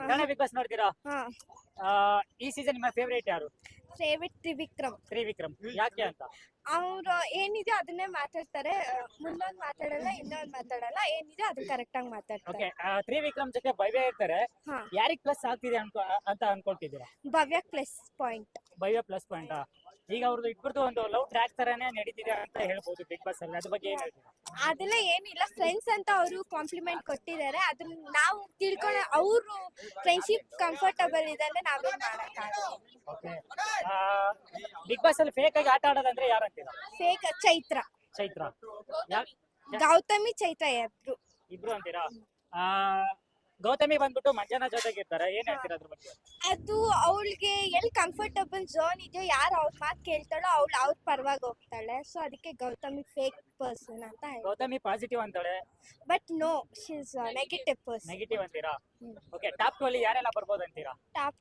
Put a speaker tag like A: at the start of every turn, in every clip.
A: Kannada Bigg Boss ನೋಡ್ತೀರಾ?
B: ಹಾ
A: ಈ ಸೀಸನ್ ನಿಮ್ಮ ಫೇವರೇಟ್ ಯಾರು?
B: ಫೇವ್ರೆಟ್ ತ್ರಿವಿಕ್ರಮ್.
A: ತ್ರಿವಿಕ್ರಮ್. ಯಾಕೆ ಅಂತ?
B: ಅವ್ರು ಏನಿದೆ ಅದನ್ನೇ ಮಾತಾಡ್ತಾರೆ, ಮುಂದೊಂದು ಮಾತಾಡಲ್ಲ ಇನ್ನೊಂದು ಮಾತಾಡಲ್ಲ, ಏನಿದೆ ಅದು ಕರೆಕ್ಟ್ ಆಗಿ ಮಾತಾಡ್ತಾರೆ.
A: ಓಕೆ, ತ್ರಿವಿಕ್ರಮ್ ಜೊತೆ ಭವ್ಯ ಇರ್ತಾರೆ.
B: ಹಾ
A: ಯಾರಿಗ್ ಪ್ಲಸ್ ಆಗ್ತಿದೆ ಅಂತ ಅನ್ಕೊಳ್ತಿದ್ದೀರಾ?
B: Bhavya plus point.
A: Bhavya plus point. ಈಗ ಅವ್ರದ್ದು ಇಬ್ಬರದು ಒಂದು ಲವ್ ಟ್ರ್ಯಾಕ್ ತರಾನೇ ನಡೀತಿದೆ ಅಂತ ಹೇಳ್ಬೋದು ಬಿಗ್ ಬಾಸ್ ಅಲ್ಲಿ. ಅದ್ರ ಬಗ್ಗೆ ಏನ್ ಹೇಳ್ತೀರಾ?
B: ಅದೆಲ್ಲ ಏನಿಲ್ಲ, ಫ್ರೆಂಡ್ಸ್ ಅಂತ ಅವರು ಕಾಂಪ್ಲಿಮೆಂಟ್ ಕೊಟ್ಟಿದ್ದಾರೆ, ಅದನ್ನ ನಾವು ತಿಳ್ಕೊಂಡು ಅವರು ಫ್ರೆಂಡ್ಶಿಪ್ ಕಂಫರ್ಟಬಲ್ ಇದೆ ಅಂದ್ರೆ ನಾವೇನ್ ಮಾಡಕ್ಕಾಗಲ್ಲ.
A: ಓಕೆ, ಬಿಗ್ ಬಾಸ್ ಅಲ್ಲಿ ಫೇಕ್ ಆಗಿ ಆಟ ಆಡೋದಂದ್ರೆ ಯಾರಂತೀರಾ?
B: ಫೇಕ್ ಚೈತ್ರ,
A: ಚೈತ್ರ. ಯಾ-
B: ಗೌತಮಿ ಚೈತ್ರ ಇಬ್ರು.
A: ಇಬ್ರು ಅಂತೀರಾ? ಆ, ಗೌತಮಿ ಬಂದ್ಬಿಟ್ಟು ಮಂಜಾನ ಜೊತೆಗಿರ್ತಾರೆ, ಏನ್ ಹೇಳ್ತೀರಾ ಅದ್ರ ಬಗ್ಗೆ?
B: ಅದು ಅವಳಿಗೆ ಎಲ್ಲಿ ಕಂಫರ್ಟಬಲ್ ಝೋನ್ ಇದೆಯೋ, ಯಾರು ಅವ್ರ ಮಾತು ಕೇಳ್ತಾಳೋ ಅವಳು ಅವ್ರ ಪರವಾಗಿ ಹೋಗ್ತಾಳೆ. ಸೊ ಅದಕ್ಕೆ ಗೌತಮಿ ಫೇಕ್ ಪರ್ಸನ್ ಅಂತ ಹೇಳಿ.
A: ಗೌತಮಿ ಪಾಸಿಟಿವ್ ಅಂತಾಳೆ,
B: but no, she is negative person.
A: Negative ಅಂತೀರಾ? ಓಕೆ, ಟಾಪ್ 2 ಅಲ್ಲಿ ಯಾರೆಲ್ಲ ಬರ್ಬೋದು ಅಂತೀರಾ?
B: ಟಾಪ್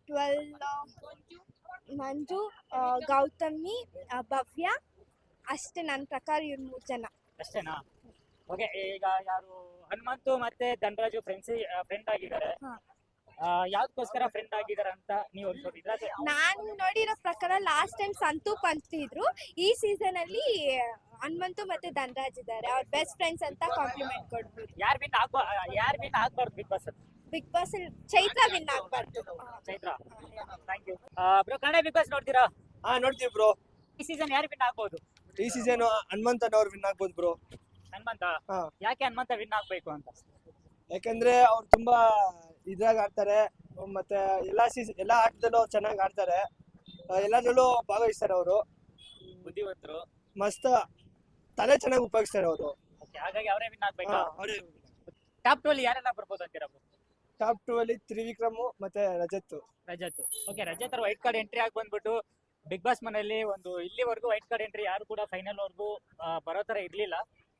B: 12 ಮಂಜು, ಗೌತಮಿ, ಭವ್ಯ, ಅಷ್ಟೇ ನನ್ನ ಪ್ರಕಾರ ಇವ್ರು 3 ಜನ
A: ಅಷ್ಟೇನಾ? ಓಕೆ, ಈಗ ಯಾರು ಹನುಮಂತು ಮತ್ತೆ ಧನರಾಜು ಫ್ರೆಂಡ್ ಆಗಿದ್ದಾರೆ.
B: ಹಾ.
A: ಯಾವ್ದಕ್ಕೋಸ್ಕರ ಫ್ರೆಂಡ್ ಆಗಿದ್ದಾರೆ ಅಂತ ನೀವು ಅನ್ಕೊಂಡಿದ್ರ?
B: ನಾನು ನೋಡಿರೋ ಪ್ರಕಾರ ಲಾಸ್ಟ್ ಟೈಮ್ ಸಂತು ಪಂತಿದ್ರು, ಈ ಸೀಸನ್ ಅಲ್ಲಿ ಹನುಮಂತು ಮತ್ತೆ ಧನರಾಜ್ ಇದ್ದಾರೆ, ಅವ್ರ ಬೆಸ್ಟ್ ಫ್ರೆಂಡ್ಸ್ ಅಂತ ಕಾಂಪ್ಲಿಮೆಂಟ್ ಕೊಡ್ಬೋದು.
A: ಯಾರು ವಿನ್ ಆಗ್ಬಾರ್ದು ಬಿಗ್ ಬಾಸ್ ಅಲ್ಲಿ?
B: ಬಿಗ್ ಬಾಸ್ ಅಲ್ಲಿ ಚೈತ್ರ ವಿನ್ ಆಗ್ಬಾರ್ದು.
A: Chaitra. Thank you bro. Kannada Bigg Boss ನೋಡ್ತೀರಾ?
C: ನೋಡ್ತೀವಿ ಬ್ರೋ.
A: ಈ ಸೀಸನ್ ಯಾರು ವಿನ್ ಆಗ್ಬೋದು?
C: ಈ ಸೀಸನ್ ಹನುಮಂತನ್ ಅವ್ರು ವಿನ್ ಆಗ್ಬೋದು ಬ್ರೋ.
A: ಹನುಮಂತ.
C: ಹಾ.
A: ಯಾಕೆ ಹನುಮಂತ ವಿನ್ ಆಗ್ಬೇಕು ಅಂತ?
C: ಯಾಕಂದ್ರೆ ಅವ್ರು ತುಂಬಾ ಇದ್ರಾಗ ಆಡ್ತಾರೆ, ಮತ್ತೆ ಎಲ್ಲಾ ಆಟದಲ್ಲೂ ಅವ್ರು ಚೆನ್ನಾಗಿ ಆಡ್ತಾರೆ, ಎಲ್ಲದರಲ್ಲೂ ಭಾಗವಹಿಸ್ತಾರೆ ಅವರು.
A: ಬುದ್ಧಿವಂತರು,
C: ಮಸ್ತ್ ತಲೆ ಚೆನ್ನಾಗಿ ಉಪಯೋಗಿಸ್ತಾರೆ ಅವರು.
A: ಹಾಗಾಗಿ ಅವರೇ ವಿನ್ ಆಗ್ಬೇಕಾ?
C: ಅವರೇ.
A: ಟಾಪ್ 2 ಅಲ್ಲಿ ಯಾರೆಲ್ಲ ಬರ್ಬೋದು ಅಂತೀರಾ?
C: ಟಾಪ್ 2 ಅಲ್ಲಿ ತ್ರಿವಿಕ್ರಮ್ ಮತ್ತೆ ರಜತ್.
A: ಓಕೆ, ರಜತ್ ಅವ್ರ ವೈಟ್ ಕಾರ್ಡ್ ಎಂಟ್ರಿ ಆಗಿ ಬಂದ್ಬಿಟ್ಟು ಬಿಗ್ ಬಾಸ್ ಮನೆಯಲ್ಲಿ ಒಂದು ಇಲ್ಲಿವರೆಗೂ ವೈಟ್ ಕಾರ್ಡ್ ಎಂಟ್ರಿ ಯಾರು ಕೂಡ ಫೈನಲ್ ವರ್ಗೂ ಬರೋ ತರ ಇರ್ಲಿಲ್ಲ.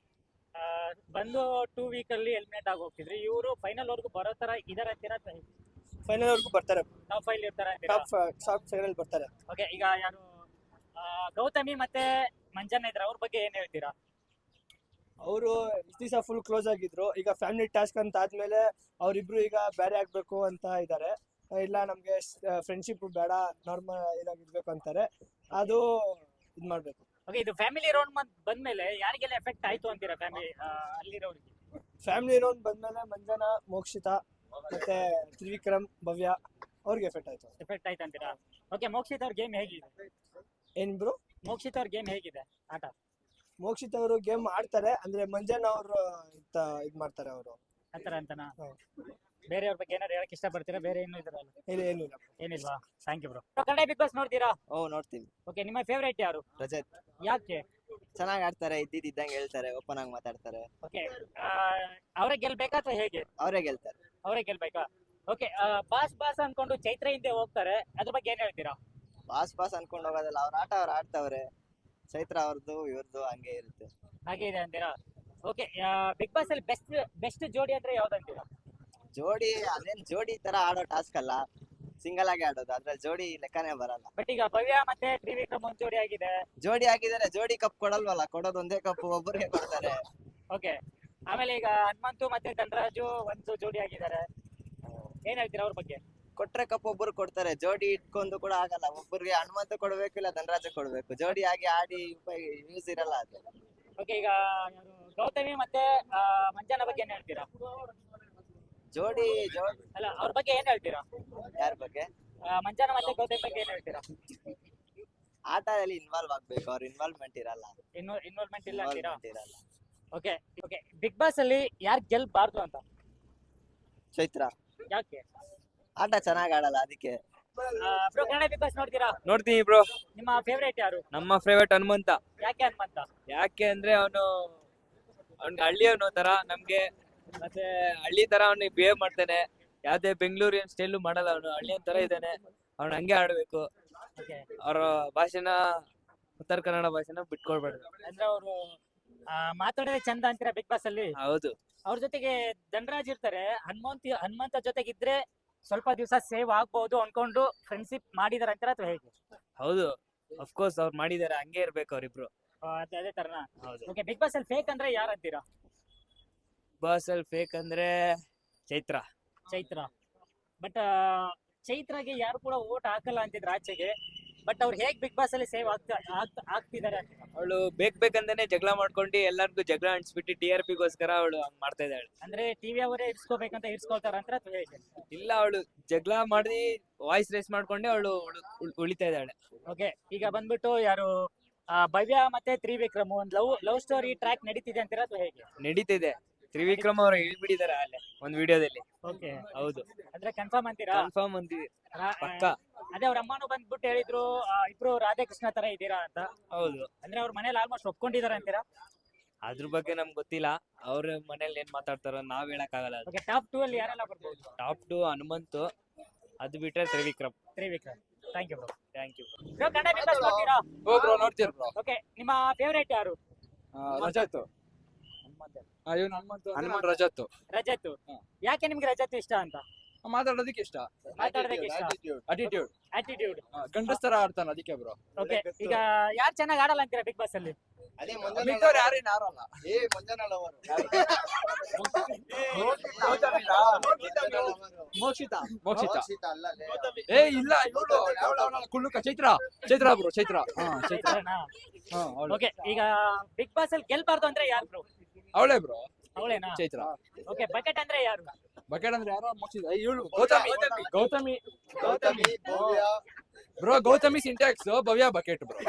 A: ಬಂದು 2 ವೀಕ್ ಅಲ್ಲಿ ಎಲಿಮಿನೇಟ್ ಆಗಿ ಹೋಗ್ತಿದ್ರು. ಇವರು ಫೈನಲ್ ವರ್ಗೂ ಬರೋ ತರ ಇದಾರೆ ಅಂತೀರಾ?
C: ಫೈನಲ್ ವರ್ಗೂ ಬರ್ತಾರೆ,
A: ಟಾಪ್ 5 ಇರ್ತಾರೆ ಅಂತೀರಾ?
C: ಟಾಪ್ ಫೈನಲ್ ಬರ್ತಾರೆ.
A: ಓಕೆ, ಈಗ ಯಾರು ಗೌತಮಿ ಮತ್ತೆ ಮಂಜಣ್ಣ ಇದ್ರ, ಅವ್ರ ಬಗ್ಗೆ ಏನ್ ಹೇಳ್ತೀರಾ?
C: ಅವರು ಇಷ್ಟು ದಿವಸ ಫುಲ್ ಕ್ಲೋಸ್ ಆಗಿದ್ರು, ಈಗ ಫ್ಯಾಮಿಲಿ ಟಾಸ್ಕ್ ಅಂತ ಆದ್ಮೇಲೆ ಅವ್ರಿಬ್ರು ಈಗ ಬೇರೆ ಆಗ್ಬೇಕು ಅಂತ ಇದ್ದಾರೆ. ಇಲ್ಲ ನಮ್ಗೆ ಫ್ರೆಂಡ್ಶಿಪ್ ಬೇಡ, ನಾರ್ಮಲ್ ಇದಾಗಿರ್ಬೇಕು ಅಂತಾರೆ. ಅದು ಇದ್ ಮಾಡ್ಬೇಕು.
A: ಓಕೆ, ಇದು ಫ್ಯಾಮಿಲಿ ರೌಂಡ್ ಬಂದ್ಮೇಲೆ ಯಾರಿಗೆಲ್ಲ ಎಫೆಕ್ಟ್ ಆಯ್ತು ಅಂತೀರಾ? ಅಲ್ಲಿರೋರಿಗೆ
C: ಫ್ಯಾಮಿಲಿ ರೌಂಡ್ ಬಂದ್ಮೇಲೆ ಮಂಜನ, ಮೋಕ್ಷಿತಾ ಮತ್ತೆ ತ್ರಿವಿಕ್ರಮ್, ಭವ್ಯ ಅವ್ರಿಗೆ ಎಫೆಕ್ಟ್
A: ಆಯ್ತು ಅಂತೀರಾ? ಓಕೆ, ಮೋಕ್ಷಿತ್ ಅವ್ರ ಗೇಮ್ ಹೇಗಿದೆ?
C: ಏನ್ ಬ್ರೋ?
A: ಮೋಕ್ಷಿತ್ ಅವ್ರ ಗೇಮ್ ಹೇಗಿದೆ ಆಟ?
C: ಮೋಕ್ಷಿತ್ ಅವರು ಗೇಮ್ ಆಡ್ತಾರೆ, ಅಂದ್ರೆ ಮಂಜನ ಅವರು ಇದ್ ಮಾಡ್ತಾರೆ ಅವರು
A: ಆತರ ಅಂತನಾ? ಬೇರೆಯವ್ರ ಬಗ್ಗೆ ಏನಾದ್ರು ಹೇಳಕ್ ಇಷ್ಟಪಡ್ತೀರಾ? ಬೇರೆ ಏನು ಇದ್ರಲ್ಲ?
C: ಏನಿಲ್ಲ.
A: ಏನಿಲ್ವಾ? Thank you bro. Kannada Bigg Boss ನೋಡ್ತೀರಾ?
D: ನೋಡ್ತೀನಿ.
A: ಓಕೆ, ನಿಮ್ಮ ಫೇವರೇಟ್ ಯಾರು?
D: ರಜತ್.
A: ಯಾಕೆ?
D: ಚೆನ್ನಾಗಿ ಆಡ್ತಾರೆ, ಇದ್ದಂಗೆ ಹೇಳ್ತಾರೆ, ಓಪನ್ ಆಗಿ ಮಾತಾಡ್ತಾರೆ.
A: ಓಕೆ, ಅವರೇ ಗೆಲ್ಬೇಕಾ ಅಥವಾ ಹೇಗೆ?
D: ಅವರೇ ಗೆಲ್ತಾರೆ.
A: ಅವರೇ ಗೆಲ್ಬೇಕಾ? ಓಕೆ, ಬಾಸ್ ಅನ್ಕೊಂಡು ಚೈತ್ರ ಹಿಂದೆ ಹೋಗ್ತಾರೆ, ಅದ್ರ ಬಗ್ಗೆ ಏನ್ ಹೇಳ್ತೀರಾ?
D: ಬಾಸ್ ಅನ್ಕೊಂಡು ಹೋಗೋದಲ್ಲ, ಅವ್ರ ಆಟ ಅವ್ರು ಆಡ್ತಾವ್ರೆ. ಚೈತ್ರ ಅವ್ರದ್ದು ಇವ್ರದ್ದು ಹಂಗೆ ಇರುತ್ತೆ.
A: ಹಾಗೆ ಇದೆ ಅಂತೀರಾ? ಓಕೆ, ಬಿಗ್ ಬಾಸ್ ಅಲ್ಲಿ ಬೆಸ್ಟ್ ಜೋಡಿ ಅಂದ್ರೆ ಯಾವ್ದಂತೀರಾ?
D: ಜೋಡಿ ಅದೇನ್ ಜೋಡಿ ತರ ಆಡೋ ಟಾಸ್ಕ್ ಅಲ್ಲ, ಸಿಂಗಲ್ ಆಗಿ ಆಡೋದು, ಅದ್ರ ಜೋಡಿ ಲೆಕ್ಕನೇ ಬರಲ್ಲ.
A: ಬಟ್ ಈಗ ಭವ್ಯ ಮತ್ತೆ ತ್ರಿವಿಕ್ರಮ್ ಒಂದ್ ಜೋಡಿ ಆಗಿದೆ.
D: ಜೋಡಿ ಆಗಿದ್ದಾರೆ, ಜೋಡಿ ಕಪ್ ಕೊಡಲ್ವಲ್ಲ, ಕೊಡೋದು ಒಂದೇ ಕಪ್ ಒಬ್ಬರಿಗೆ ಕೊಡ್ತಾರೆ.
A: ಓಕೆ, ಆಮೇಲೆ ಈಗ ಹನುಮಂತು ಮತ್ತೆ ಧನರಾಜು ಒಂದು ಜೋಡಿ ಆಗಿದ್ದಾರೆ, ಏನ್ ಹೇಳ್ತೀರಾ ಅವ್ರ ಬಗ್ಗೆ?
D: ಕೊಟ್ರೆ ಕಪ್ ಒಬ್ಬರು ಕೊಡ್ತಾರೆ, ಜೋಡಿ ಇಟ್ಕೊಂಡು ಕೂಡ ಆಗಲ್ಲ. ಒಬ್ಬರಿಗೆ ಹನುಮಂತ ಕೊಡ್ಬೇಕು, ಇಲ್ಲ ಧನರಾಜ ಕೊಡ್ಬೇಕು. ಜೋಡಿ ಆಗಿ ಆಡಿ ಯೂಸ್ ಇರಲ್ಲ ಅದು.
A: ಓಕೆ, ಈಗ ಯಾರು ಗೌತಮಿ ಮತ್ತೆ ಮಂಜಾನ ಬಗ್ಗೆ ಏನ್ ಹೇಳ್ತೀರಾ?
D: ಜೋಡಿ
A: ಅಲ್ಲ, ಅವ್ರ ಬಗ್ಗೆ ಏನ್ ಹೇಳ್ತೀರಾ?
D: ಯಾರ ಬಗ್ಗೆ?
A: ಮಂಜಾನ ಮತ್ತೆ ಗೌತಮಿ ಬಗ್ಗೆ ಏನ್ ಹೇಳ್ತೀರಾ?
D: ಆಟದಲ್ಲಿ ಇನ್ವಾಲ್ವ್ ಆಗ್ಬೇಕು, ಅವ್ರ ಇನ್ವಾಲ್ವ್ಮೆಂಟ್ ಇರಲ್ಲ.
A: ಇನ್ವಾಲ್ವ್ಮೆಂಟ್ ಇಲ್ಲ ಅಂತೀರಾ?
D: ಇರಲ್ಲ.
A: ಓಕೆ, ಬಿಗ್ ಬಾಸ್ ಅಲ್ಲಿ ಯಾರು ಗೆಲ್ಬಾರ್ದು ಅಂತ?
D: ಚೈತ್ರ.
A: ಯಾಕೆ?
D: ಆಟ ಚೆನ್ನಾಗಿ ಆಡಲ್ಲ, ಅದಕ್ಕೆ.
A: ಬ್ರೋ, ಕನ್ನಡ ಬಿಗ್ ಬಾಸ್ ನೋಡ್ತೀರಾ?
E: ನೋಡ್ತೀನಿ ಬ್ರೋ.
A: ನಿಮ್ಮ ಫೇವರೇಟ್ ಯಾರು?
E: ನಮ್ಮ ಫೇವರೇಟ್ ಹನುಮಂತ.
A: ಯಾಕೆ ಹನುಮಂತ?
E: ಯಾಕೆ ಅಂದ್ರೆ ಅವ್ನಿಗೆ ಹಳ್ಳಿಯವನು ತರ, ನಮ್ಗೆ ಮತ್ತೆ ಹಳ್ಳಿ ತರ ಅವ್ನಿಗೆ ಬಿಹೇವ್ ಮಾಡ್ತಾನೆ. ಯಾವ್ದೇ ಬೆಂಗಳೂರಿನ ಸ್ಟೈಲು ಮಾಡಲ್ಲ, ಅವನು ಹಳ್ಳಿಯನ್ ತರ ಇದ್ದಾನೆ. ಅವ್ನು ಹಂಗೆ ಆಡ್ಬೇಕು. ಅವ್ರ ಭಾಷೆನ, ಉತ್ತರ ಕನ್ನಡ ಭಾಷೆನ ಬಿಟ್ಕೊಡ್ಬಾರ್ದು.
A: ಅಂದ್ರೆ ಅವರು ಮಾತಾಡೋದೇ ಚಂದ ಅಂತೀರಾ ಬಿಗ್ ಬಾಸ್ ಅಲ್ಲಿ?
E: ಹೌದು.
A: ಅವ್ರ ಜೊತೆಗೆ ಧನರಾಜ್ ಇರ್ತಾರೆ, ಹನುಮಂತ ಜೊತೆಗಿದ್ರೆ ಸ್ವಲ್ಪ ದಿವಸ ಸೇವ್ ಆಗ್ಬಹುದು ಅನ್ಕೊಂಡು ಫ್ರೆಂಡ್ಶಿಪ್ ಮಾಡಿದಾರೆ ಅಂತೀರಾ ಅಥವಾ ಹೇಗೆ?
E: ಹೌದು, ಅಫ್ಕೋರ್ಸ್ ಅವ್ರು ಮಾಡಿದಾರೆ, ಹಂಗೆ ಇರ್ಬೇಕು ಅವ್ರಿಬ್ರು.
A: ಅದೇ ತರನಾ?
E: ಹೌದು.
A: ಓಕೆ, ಬಿಗ್ ಬಾಸ್ ಅಲ್ಲಿ ಫೇಕ್ ಅಂದ್ರೆ ಯಾರು ಅಂತೀರಾ?
E: ಬಾಸ್ ಅಲ್ಲಿ ಫೇಕ್ ಅಂದ್ರೆ ಚೈತ್ರ.
A: ಚೈತ್ರ. ಬಟ್ ಚೈತ್ರಾಗೆ ಯಾರು ಕೂಡ ಓಟ್ ಹಾಕಲ್ಲ ಅಂತಿದ್ರು ಆಚೆಗೆ. ಬಟ್ ಅವ್ರು ಹೇಗ್ ಬಿಗ್ ಬಾಸ್ ಅಲ್ಲಿ ಸೇವ್ ಆಗ್ತಿದ್ದಾರೆ?
E: ಅವಳು ಬೇಕಂತಾನೆ ಜಗಳ ಮಾಡ್ಕೊಂಡು ಎಲ್ಲರಿಗೂ ಜಗಳ ಅಂಟಿಸ್ಬಿಟ್ಟು TRP ಗೋಸ್ಕರ ಅವಳು ಹಂಗ್ ಮಾಡ್ತಾ ಇದ್ದಾಳೆ.
A: ಅಂದ್ರೆ ಟಿವಿ ಅವರೇ ಇರ್ಸ್ಕೋಬೇಕಂತ ಇರ್ಸ್ಕೊಳ್ತಾರ ಅಂತ ಅಥವಾ ಹೇಗೆ?
E: ಇಲ್ಲ, ಅವಳು ಜಗಳ ಮಾಡಿ ವಾಯ್ಸ್ ರೇಸ್ ಮಾಡ್ಕೊಂಡೆ ಅವಳು ಉಳಿತಾ ಇದ್ದಾಳೆ.
A: ಓಕೆ, ಈಗ ಬಂದ್ಬಿಟ್ಟು ಯಾರು ಭವ್ಯ ಮತ್ತೆ ತ್ರಿವಿಕ್ರಮ್ ಒಂದು ಲವ್ ಸ್ಟೋರಿ ಟ್ರ್ಯಾಕ್ ನಡೀತಿದೆ ಅಂತೀರಾ ಅಥವಾ ಹೇಗೆ?
E: ನಡೀತಿದೆ. ತ್ರಿವಿಕ್ರಮ್ ಅವ್ರು ಹೇಳ್ಬಿಟ್ಟಿದ್ದಾರೆ ಅಲ್ಲೇ ಒಂದ್ ವಿಡಿಯೋದಲ್ಲಿ.
A: ಓಕೆ,
E: ಹೌದು,
A: ಅಂದ್ರೆ ಕನ್ಫರ್ಮ್ ಅಂತೀರಾ?
E: ಕನ್ಫರ್ಮ್ ಅಂತೀವಿ ಪಕ್ಕ.
A: ಅದೇ ಅವ್ರ ಅಮ್ಮನೂ ಬಂದ್ಬಿಟ್ಟು ಹೇಳಿದ್ರು ಇಬ್ರು ರಾಧಾಕೃಷ್ಣ ತರ ಇದ್ದೀರಾ ಅಂತ.
E: ಹೌದು,
A: ಅಂದ್ರೆ ಅವ್ರ ಮನೇಲಿ ಆಲ್ಮೋಸ್ಟ್ ಒಪ್ಕೊಂಡಿದಾರೆ ಅಂತೀರಾ?
E: ಅದ್ರ ಬಗ್ಗೆ ನಮ್ಗೆ ಗೊತ್ತಿಲ್ಲ. ಅವ್ರ ಮನೇಲಿ ಏನ್ ಮಾತಾಡ್ತಾರೋ ನಾವ್ ಹೇಳಕ್ ಆಗಲ್ಲ.
A: ಓಕೆ, ಟಾಪ್ 2 ಅಲ್ಲಿ ಯಾರೆಲ್ಲ ಬರ್ಬೋದು?
E: ಟಾಪ್ 2 ಹನುಮಂತು, ಅದು ಬಿಟ್ರೆ Trivikram.
A: Thank you bro.
E: Thank you.
A: Kannada Bigg Boss ನೋಡ್ತೀರಾ?
F: ಬ್ರೋ ನೋಡ್ತೀರ ಬ್ರೋ.
A: ಓಕೆ, ನಿಮ್ಮ ಫೇವರೇಟ್ ಯಾರು?
F: ರಜತ್. ಇವನು ಹನುಮಂತ ರಜತ್.
A: ರಜತ್. ಯಾಕೆ ನಿಮ್ಗೆ ರಜತ್ ಇಷ್ಟ ಅಂತ?
F: ಮಾತಾಡೋದಕ್ಕೆ ಇಷ್ಟ,
A: ಮಾತಾಡೋದಕ್ಕೆ ಇಷ್ಟ,
F: ಅಟಿಟ್ಯೂಡ್,
A: ಆಟಿಟ್ಯೂಡ್.
F: ಗಂಡಸ್ತರ ಆಡ್ತಾನ ಅದಕ್ಕೆ ಬ್ರೋ.
A: ಓಕೆ, ಈಗ ಯಾರು ಚೆನ್ನಾಗಿ ಆಡಲ್ಲ ಅಂತೀರಾ ಬಿಗ್ ಬಾಸ್ ಅಲ್ಲಿ?
F: ಮಿಕ್ಕವ್ರು ಯಾರೇನು ಆಡಲ್ಲ. ಮೋಕ್ಷಿತ ಏ ಇಲ್ಲ, ಇವಳು ಕುಳ್ಳುಕ ಚೈತ್ರ ಬ್ರೋ. ಚೈತ್ರ.
A: ಓಕೆ, ಈಗ ಬಿಗ್ ಬಾಸ್ ಅಲ್ಲಿ ಗೆಲ್ಬಾರ್ದು ಅಂದ್ರೆ ಯಾರು ಬ್ರೋ?
F: ಅವಳೇ ಬ್ರೋ,
A: ಅವಳೇನಾ?
F: ಚೈತ್ರ.
A: ಓಕೆ, ಬಕೆಟ್ ಅಂದ್ರೆ ಯಾರು?
F: ಬಕೆಟ್ ಅಂದ್ರೆ ಯಾರೋ ಮೋಕ್ಷಿತ. ಇವಳು Gowthami bro. Gowthami syntax, Bhavya bucket bro.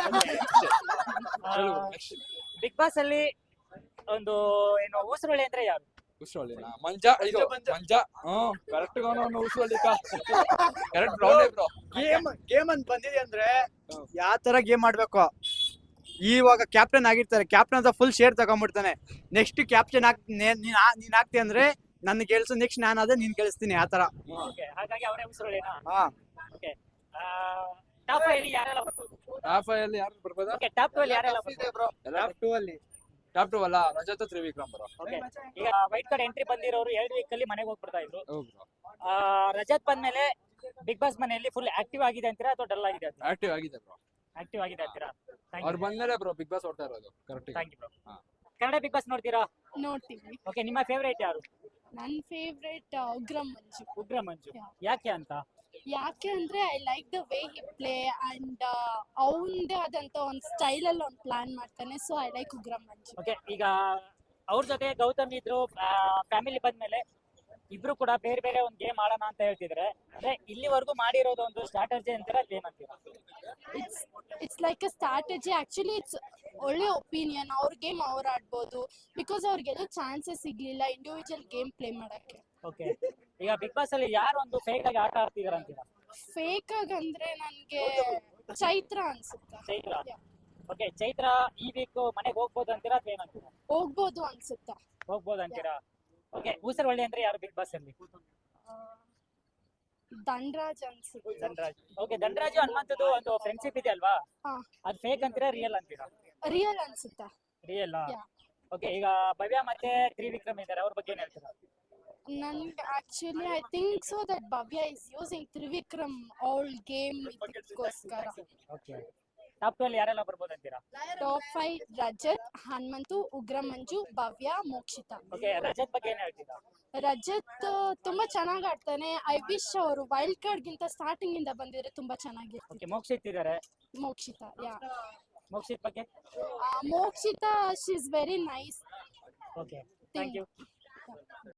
A: Bigg Boss ಅಲ್ಲಿ ಒಂದು ಏನು ಊಸರೊಳ್ಳಿ ಅಂದ್ರೆ ಯಾರು?
F: ಉಸ್ರೊಳ್ಳಿನ ಮಂಜ. ಇದು ಮಂಜ. ಕರೆಕ್ಟ್ ಉಸ್ರೊಳ್ಳಿ ಕರೆಕ್ಟ್ ಬ್ರೋ.
G: ಗೇಮ್ ಅಂತ ಬಂದಿದೆ ಅಂದ್ರೆ ಯಾವ ತರ ಗೇಮ್ ಆಡ್ಬೇಕು. ಇವಾಗ ಕ್ಯಾಪ್ಟನ್ ಆಗಿರ್ತಾರೆ, ಕ್ಯಾಪ್ಟನ್ ಅಂತ ಫುಲ್ ಶೇರ್ ತಗೊಂಡ್ಬಿಡ್ತಾನೆ. ನೆಕ್ಸ್ಟ್ ಕ್ಯಾಪ್ಟನ್ ನೀನ್ ಆಗ್ತಿ ಅಂದ್ರೆ ನನ್ನ ಗೆಲ್ಸು, ನೆಕ್ಸ್ಟ್ ನಾನು ಅದೇ ನೀನ್ ಗೆಲ್ಸ್ತೀನಿ ಆ ತರ.
A: ಓಕೆ, ಹಾಗಾಗಿ ಅವರೇ ಊಸರೊಳ್ಳಿನಾ?
G: ಹಾ.
A: ಓಕೆ, ಟಾಪ್ 5 ಅಲ್ಲಿ ಯಾರೆಲ್ಲ ಬರ್ಬೋದು?
F: ಟಾಪ್ 5 ಅಲ್ಲಿ ಯಾರು ಬರ್ಬೋದಾ?
A: ಓಕೆ, ಟಾಪ್ 2 ಅಲ್ಲಿ ಯಾರೆಲ್ಲ ಬರ್ಬೋದು?
F: ಟಾಪ್ 2 ಅಲ್ಲ, ರಜತ್ ತ್ರಿವಿಕ್ರಮ್ ಬ್ರೋ.
A: ಓಕೆ, ಈಗ ವೈಟ್ ಕಾರ್ಡ್ ಎಂಟ್ರಿ ಬಂದಿರೋರು 2 ವೀಕ್ ಅಲ್ಲಿ ಮನೆಗೆ ಹೋಗ್ಬಿಡ್ತಾ ಇದ್ರು.
F: ಹೌದು ಬ್ರೋ.
A: ರಜತ್ ಬಂದ್ಮೇಲೆ ಬಿಗ್ ಬಾಸ್ ಮನೆಯಲ್ಲಿ ಫುಲ್ ಆಕ್ಟಿವ್ ಆಗಿದೆ ಅಂತೀರಾ ಅಥವಾ ಡಲ್ ಆಗಿದೆ ಅಂತೀರಾ?
F: ಆಕ್ಟಿವ್ ಆಗಿದೆ ಬ್ರೋ.
A: ಆಕ್ಟಿವ್ ಆಗಿದೆ ಅಂತೀರಾ?
F: ಅವ್ರು ಬಂದ್ಮೇಲೆ ಬ್ರೋ ಬಿಗ್ ಬಾಸ್ ಓಡ್ತಾ ಇರೋದು. ಕರೆಕ್ಟ್.
A: Thank you bro.
F: ಹಾ.
A: ಕನ್ನಡ ಬಿಗ್ ಬಾಸ್ ನೋಡ್ತೀರಾ?
B: ನೋಡ್ತೀವಿ.
A: ಓಕೆ, ನಿಮ್ಮ ಫೇವರೇಟ್ ಯಾರು?
B: ನನ್ನ ಫೇವ್ರೇಟ್ ಉಗ್ರಂ ಮಂಜು.
A: ಉಗ್ರ ಮಂಜು.
B: Yeah.
A: ಯಾಕೆ ಅಂತ?
B: ಯಾಕೆ ಅಂದ್ರೆ I like the way he play and ಅವನದೇ ಆದಂತ ಒಂದು ಸ್ಟೈಲ್ ಅಲ್ಲಿ ಒಂದು ಪ್ಲಾನ್ ಮಾಡ್ತಾನೆ. So I like Ugram Manju.
A: Okay, ಈಗ ಅವ್ರ ಜೊತೆ ಗೌತಮ್ ಇದ್ರು, ಫ್ಯಾಮಿಲಿ ಬಂದ್ಮೇಲೆ ಇಬ್ರು ಕೂಡ ಬೇರೆ ಬೇರೆ ಒಂದು ಗೇಮ್ ಆಡೋಣ ಅಂತ ಹೇಳ್ತಿದ್ರೆ, ಅಂದ್ರೆ ಇಲ್ಲಿವರೆಗೂ ಮಾಡಿರೋದು ಒಂದು ಸ್ಟ್ರಾಟಜಿ ಅಂತೀರಾ ಗೇಮ್ ಅಂತೀರಾ?
B: It's like a strategy. Actually it's ಒಳ್ಳೆ ಒಪಿನಿಯನ್. ಅವ್ರ ಗೇಮ್ ಅವ್ರು ಆಡ್ಬೋದು, ಬಿಕಾಸ್ ಅವ್ರಿಗೆಲ್ಲ ಚಾನ್ಸಸ್ ಸಿಗ್ಲಿಲ್ಲ ಇಂಡಿವಿಜುವಲ್ ಗೇಮ್ ಪ್ಲೇ ಮಾಡಕ್ಕೆ.
A: ಓಕೆ, ಈಗ ಬಿಗ್ ಬಾಸ್ ಅಲ್ಲಿ ಯಾರು ಒಂದು ಫೇಕ್ ಆಗಿ ಆಟ ಆಡ್ತಿದಾರ ಅಂತೀರಾ?
B: ಫೇಕ್ ಆಗಿ ಅಂದ್ರೆ ನನ್ಗೆ ಚೈತ್ರ ಅನ್ಸುತ್ತೆ.
A: ಚೈತ್ರ.
B: Yeah.
A: ಓಕೆ, ಚೈತ್ರ ಈ ವೀಕ್ ಮನೆಗೆ ಹೋಗ್ಬೋದು ಅಂತೀರಾ ಅಥವಾ ಏನಂತೀರಾ?
B: ಹೋಗ್ಬೋದು ಅನ್ಸುತ್ತೆ.
A: ಹೋಗ್ಬೋದು ಅಂತೀರಾ? ಓಕೆ, ಊಸರವಳ್ಳಿ ಅಂದ್ರೆ ಯಾರು ಬಿಗ್ ಬಾಸ್ ಅಲ್ಲಿ?
B: ಧನ್ರಾಜ್ ಅನ್ಸುತ್ತೆ.
A: ಧನ್ರಾಜ್. ಓಕೆ, ಧನ್ರಾಜು ಹನುಮಂತದ್ದು ಒಂದು ಫ್ರೆಂಡ್ಶಿಪ್ ಇದೆ ಅಲ್ವಾ?
B: ಹಾ.
A: ಅದು ಫೇಕ್ ಅಂತೀರಾ ರಿಯಲ್ ಅಂತೀರಾ?
B: ರಿಯಲ್ ಅನ್ಸುತ್ತೆ.
A: ರಿಯಲ್.
B: Yeah.
A: ಓಕೆ, ಈಗ ಭವ್ಯ ಮತ್ತೆ ತ್ರಿವಿಕ್ರಮ್ ಇದ್ದಾರೆ, ಅವ್ರ ಬಗ್ಗೆ ಏನ್ ಹೇಳ್ತೀರಾ?
B: ನನ್ಗೆ actually I think so that Bhavya is using Trivikram ಅವಳ ಗೇಮ್ ಇದಕ್ಕೋಸ್ಕರ.
A: ಓಕೆ, ಟಾಪ್ 2 ಅಲ್ಲಿ ಯಾರೆಲ್ಲ ಬರ್ಬೋದು ಅಂತೀರಾ?
B: ಟಾಪ್ 5 ರಜತ್, ಹನುಮಂತು, ಉಗ್ರಂ ಮಂಜು, ಭವ್ಯ, ಮೋಕ್ಷಿತ.
A: ಓಕೆ, ರಜತ್ ಬಗ್ಗೆ ಏನ್ ಹೇಳ್ತೀರಾ?
B: ರಜತ್ ತುಂಬಾ ಚೆನ್ನಾಗಿ ಆಡ್ತಾನೆ. ಐ ವಿಶ್ ಅವರು ವೈಲ್ಡ್ ಕಾರ್ಡ್ ಗಿಂತ ಸ್ಟಾರ್ಟಿಂಗ್ ಇಂದ ಬಂದಿದ್ರೆ ತುಂಬಾ ಚೆನ್ನಾಗಿರ್ತಿತ್ತು.
A: ಓಕೆ, ಮೋಕ್ಷಿತ್ ಇದ್ದಾರೆ.
B: ಮೋಕ್ಷಿತ. ಯಾ,
A: ಮೋಕ್ಷಿತ್ ಬಗ್ಗೆ?
B: Mokshitha she is very nice.
A: Okay, thank you.